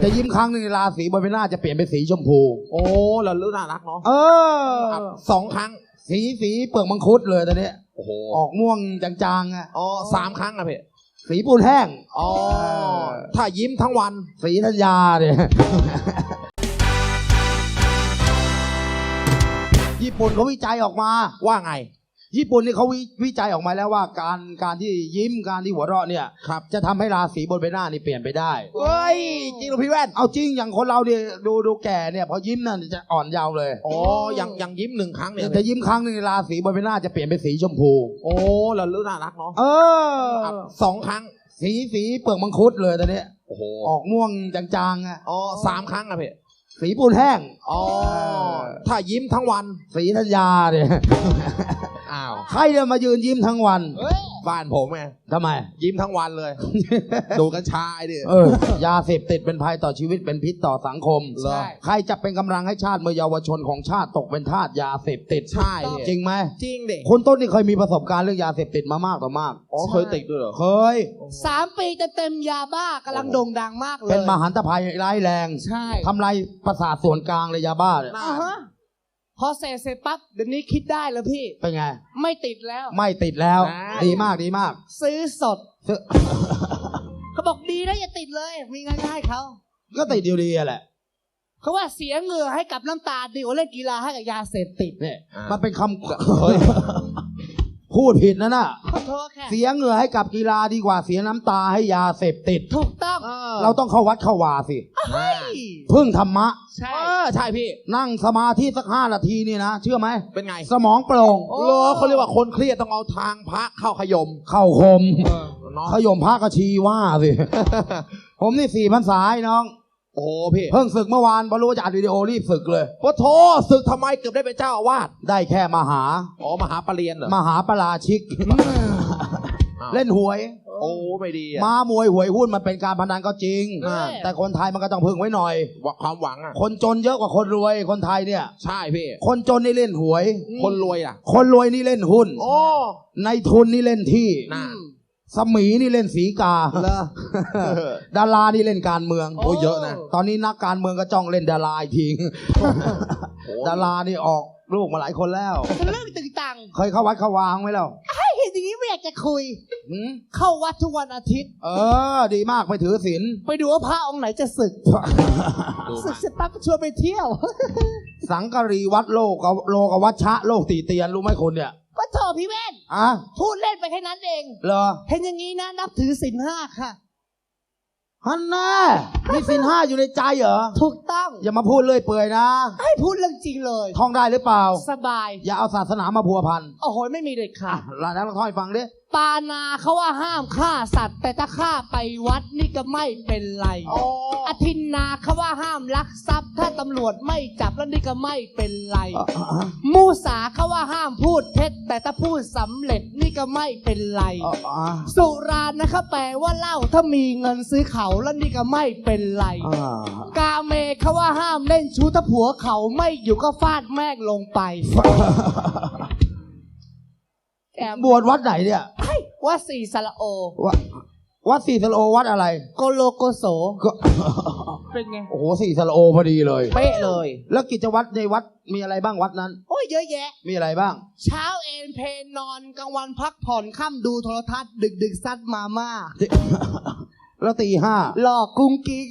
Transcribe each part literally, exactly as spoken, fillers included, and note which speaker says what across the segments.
Speaker 1: จะยิ้มครั้งหนึ่งราศีบนใบหน้าจะเปลี่ยนเป็นสีชมพู
Speaker 2: โอ้แล้วรู้น่ารักเนาะ
Speaker 1: เออ
Speaker 2: สองครั้ง
Speaker 1: สีสีเปลือกมังคุดเลยตอนนี้
Speaker 2: โอ้โห
Speaker 1: ออกม่วงจางๆอ่ะ
Speaker 2: อ๋อสามครั้งอะพี่
Speaker 1: สีปูนแห้ง
Speaker 2: อ๋อถ้ายิ้มทั้งวัน
Speaker 1: สีธัญญาเนี่ยญี่ปุ่นเขาวิจัยออกมา
Speaker 2: ว่าไง
Speaker 1: ญี่ปุ่นนี่เขาววิจัยออกมาแล้วว่าการการที่ยิ้มการที่หัวเราะเนี่ยครับจะทำให้ราศีบนใบหน้านี่เปลี่ยนไปได้
Speaker 2: เฮ้ยจริงหรือพี่แว่น
Speaker 1: เอาจริงอย่างคนเราเนี่ยดูดูแก่เนี่ยพอยิ้มนั่นจะอ่อนเยาว์เลย
Speaker 2: อ๋อยังยังยิ้มหนึ่งครั้งเนี่ย
Speaker 1: จะยิ้มครั้งหนึ่งราศีบนใบหน้าจะเปลี่ยนเป็นสีชมพู
Speaker 2: โอ้แล้วรู้น่ารักเนาะ
Speaker 1: เออ
Speaker 2: สองครั้ง
Speaker 1: สีสีเปลือกมังคุดเลยตอนนี้
Speaker 2: โอ้โห
Speaker 1: ออกม่วงจางๆอ่ะ
Speaker 2: อ๋อสามครั้งอะพี่
Speaker 1: สีปูนแห้ง
Speaker 2: อ๋อถ้ายิ้มทั้งวัน
Speaker 1: สีธัญญาเนี่ย
Speaker 2: อ้าว
Speaker 1: ใครจะมายืนยิ้มทั้งวัน
Speaker 2: บ้านผมไง
Speaker 1: ทำไม
Speaker 2: ยิ้มทั้งวันเลย ดูกัญชาไอ้ดิ
Speaker 1: เออยาเสพติดเป็นภัยต่อชีวิตเป็นพิษต่อสังคมใครจะเป็นกำลังให้ชาติเมื่อเยาวชนของชาติตกเป็นทาสยาเสพติด
Speaker 2: ใช่
Speaker 1: จริงไหม
Speaker 2: จริงดิ
Speaker 1: คนต้นนี่เคยมีประสบการณ์เรื่องยาเสพติดมามากต่อมาก
Speaker 2: อ๋อเคยติดด้วยเหรอ
Speaker 1: เคย
Speaker 3: สามปีจะเต็มยาบ้ากำลังโด่งดังมากเลย
Speaker 1: เป็นมหันตภัยร้ายแรง
Speaker 3: ใช่
Speaker 1: ทำลายประสาทส่วนกลางเลยยาบ้าเนี่ย
Speaker 3: พอเสร็จเสร็จปั๊บเดี๋ยวนี้คิดได้แล้วพี่
Speaker 1: เป็นไง
Speaker 3: ไม่ติดแล้ว
Speaker 1: ไม่ติดแล้วดีมากดีมาก
Speaker 3: ซื้อสดเขาบอกดีนะอย่าติดเลยมีง่ายๆเขา
Speaker 1: ก็ติดอยู่ดีแหละ
Speaker 3: เขาว่าเสียเหงื่อให้กับน้ำตาดีกว่าเล่นกีฬาให้กับยาเสพติด
Speaker 1: เนี่ยมันเป็นคำพูดผิดนะน่ะเสียเหงื่อให้กับกีฬาดีกว่าเสียน้ำตาให้ยาเสพติด
Speaker 3: ถูกต้อง
Speaker 1: เราต้องเข้าวัดเข้าวาสิพึ่งธรรมะ
Speaker 2: ใช่ใช่พี่
Speaker 1: นั่งสมาธิสักห้านาทีนี่นะเชื่อไหม
Speaker 2: เป็นไง
Speaker 1: สมองโปร่ง
Speaker 2: โอ้เขาเรียกว่าคนเครียดต้องเอาทางพระเข้าขยม
Speaker 1: เข้าคมขยมพระกชีว่าสิผมนี่สี่พรรษาน้อง
Speaker 2: โอ้พี่
Speaker 1: เพิ่งศึกเมื่อวานพอรู้ว่าจะอัดวิดีโอรีบศึกเลย
Speaker 2: พระโทศึกทำไมเกือบได้เป็นเจ้าอาวาส
Speaker 1: ได้แค่มหา
Speaker 2: อ๋อมหาปรริญญาเหรอ
Speaker 1: มหาปราชิกเล่นหวย
Speaker 2: โอ้ไม่ดี
Speaker 1: ม้ามวยหวยหุ้นมันเป็นการพนันก็จริงแต่คนไทยมันก็ต้องพึ่งไว้หน่อย
Speaker 2: ความหวังอ่ะ
Speaker 1: คนจนเยอะกว่าคนรวยคนไทยเนี่ย
Speaker 2: ใช่พี่
Speaker 1: คนจนนี่เล่นหวย
Speaker 2: คนรวยอ่ะ
Speaker 1: คนรวยนี่เล่นหุ้น
Speaker 2: โอ้
Speaker 1: ในทุนนี่เล่นที่สมีนี่เล่นสีกาดารานี่เล่นการเมือง
Speaker 2: โอ้เยอะนะ
Speaker 1: ตอนนี้นักการเมืองก็จ้องเล่นดาราอีกทีดารานี่ออกลูกมาหลายคนแล้ว
Speaker 3: เรื่องตึงตัง
Speaker 1: เคยเข้าวัดเข้าวางไหมแล้ว
Speaker 3: เห็นอย่างนี้ไม่อยากจะคุยเข้าวัดทุกวันอาทิตย์
Speaker 1: เออดีมากไปถือศีล
Speaker 3: ไปดูว่าพระองค์ไหนจะศึกศึกเสร็จปั๊บชวนไปเที่ยว
Speaker 1: สังกะรีวัดโลกโลกวัชชะโลกตีเตียนรู้ไหมคนเนี่ย
Speaker 3: ก็โทษพี่แว่น
Speaker 1: อ่ะ
Speaker 3: พูดเล่นไปแค่นั้นเอง
Speaker 1: เหรอ
Speaker 3: เห็นอย่างนี้นะนับถือศีลห้าค่ะ
Speaker 1: ฮันน่ามีศีลห้าอยู่ในใจเหรอ
Speaker 3: ถูกต้อง
Speaker 1: อย่ามาพูดเลยเปื่อยนะ
Speaker 3: ให้พูดเรื่องจริงเลย
Speaker 1: ท่องได้หรือเปล่า
Speaker 3: สบาย
Speaker 1: อย่าเอาศาสนามาพัวพัน
Speaker 3: โอ้โหไม่มีเด็ดขาด
Speaker 1: แล้วแล้วท่องให้ฟังดิ
Speaker 3: ปานาเขาว่าห้ามฆ่าสัตว์แต่ถ้าฆ่าไปวัดนี่ก็ไม่เป็นไรอทินนาเขาว่าห้ามลักทรัพย์ถ้าตำรวจไม่จับแล้วนี่ก็ไม่เป็นไรมูสาเขาว่าห้ามพูดเท็จแต่ถ้าพูดสำเร็จนี่ก็ไม่เป็นไรสุรานะคะแปลว่าเหล้าถ้ามีเงินซื้อเขาแล้วนี่ก็ไม่เป็นไรกาเมเขาว่าห้ามเล่นชู้ถ้าผัวเขาไม่อยู่ก็ฟาดแม่งลงไป
Speaker 1: บวชวัดไหนเนี่ย
Speaker 3: วัดศรีสระโอ
Speaker 1: วัดศรีสระโอวัดอะไร
Speaker 3: โกโลโกโสเป็นไง
Speaker 1: โอ้โหศรีสระโอพอดีเลย
Speaker 3: เป๊ะเลย
Speaker 1: แล้วกิจวัตรในวัดมีอะไรบ้างวัดนั้น
Speaker 3: โอ้ยเยอะแยะ
Speaker 1: มีอะไรบ้าง
Speaker 3: เช้าเอนเพนนอนกลางวันพักผ่อนค่ำดูโทรทัศน์ดึกดึกซัดมาม่า
Speaker 1: แล้วตีห้า
Speaker 3: หลอกกุ้งกิ๊ก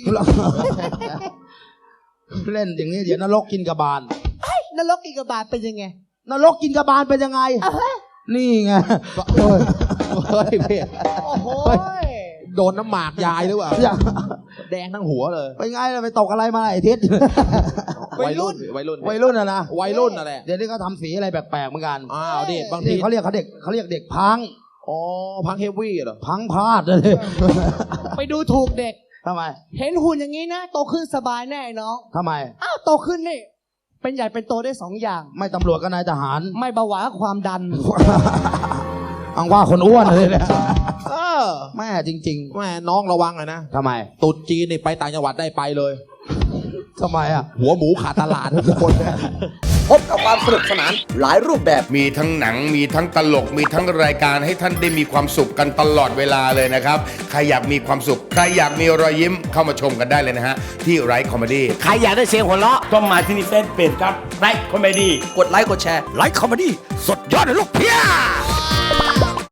Speaker 1: เล่นอย่างนี้เดี๋ยวนรกกินกระบาล
Speaker 3: นรกกินกระบาลเป็นยังไง
Speaker 1: นรกกินกระบาลเป็นยังไงนี่ไง
Speaker 2: เฮ้ยเฮ้ยพี่โอ้โหโดนน้ำหมากยายหรือเปล่าแดงทั้งหัวเลย
Speaker 1: ไปไงเราไปตกอะไรมาไอ้ทิศ
Speaker 2: วัยรุ่นวัยรุ่น
Speaker 1: วัยรุ่นอะนะ
Speaker 2: วัยรุ่นอะไร
Speaker 1: เดี๋ยวนี้เขาทำสีอะไรแปลกๆเหมือนกัน
Speaker 2: อ้าวดิบางที
Speaker 1: เขาเรียกเขาเด็กเขาเรียกเด็กพัง
Speaker 2: อ๋อพังเฮฟวี่เหรอ
Speaker 1: พังพลาดเลย
Speaker 3: ไปดูถูกเด็ก
Speaker 1: ทำไม
Speaker 3: เห็นหุ่นอย่างนี้นะโตขึ้นสบายแน่น้อง
Speaker 1: ทำไม
Speaker 3: อ้าวโตขึ้นนี่เป็นใหญ่เป็นโตได้สองอย่าง
Speaker 1: ไม่ตำรวจก็นายทหาร
Speaker 3: ไม่เบาหวานความดัน
Speaker 1: อังว่าคนอ้วนเลยเนี่ยเออแม่จริง
Speaker 2: ๆแม่น้องระวังเลยนะ
Speaker 1: ทำไม
Speaker 2: ตุ๊ดจีนนี่ไปต่างจังหวัดได้ไปเลย
Speaker 1: ทำไมอ่ะ
Speaker 2: หัวหมูขาดตลาดทุกคน
Speaker 4: พบกับความสนุกสนานหลายรูปแบบ
Speaker 5: มีทั้งหนังมีทั้งตลกมีทั้งรายการให้ท่านได้มีความสุขกันตลอดเวลาเลยนะครับใครอยากมีความสุขใครอยากมีรอยยิ้มเข้ามาชมกันได้เลยนะฮะที่ไรคอมเมดี้
Speaker 6: ใครอยากได้เสียงหัวเราะต้องมาที่นี่เฟซเพจครับไลค์คอมเมดี้
Speaker 4: กดไลค์กดแชร์
Speaker 6: ไลค์คอมเมดี้สดยอดเลยลูกเพีย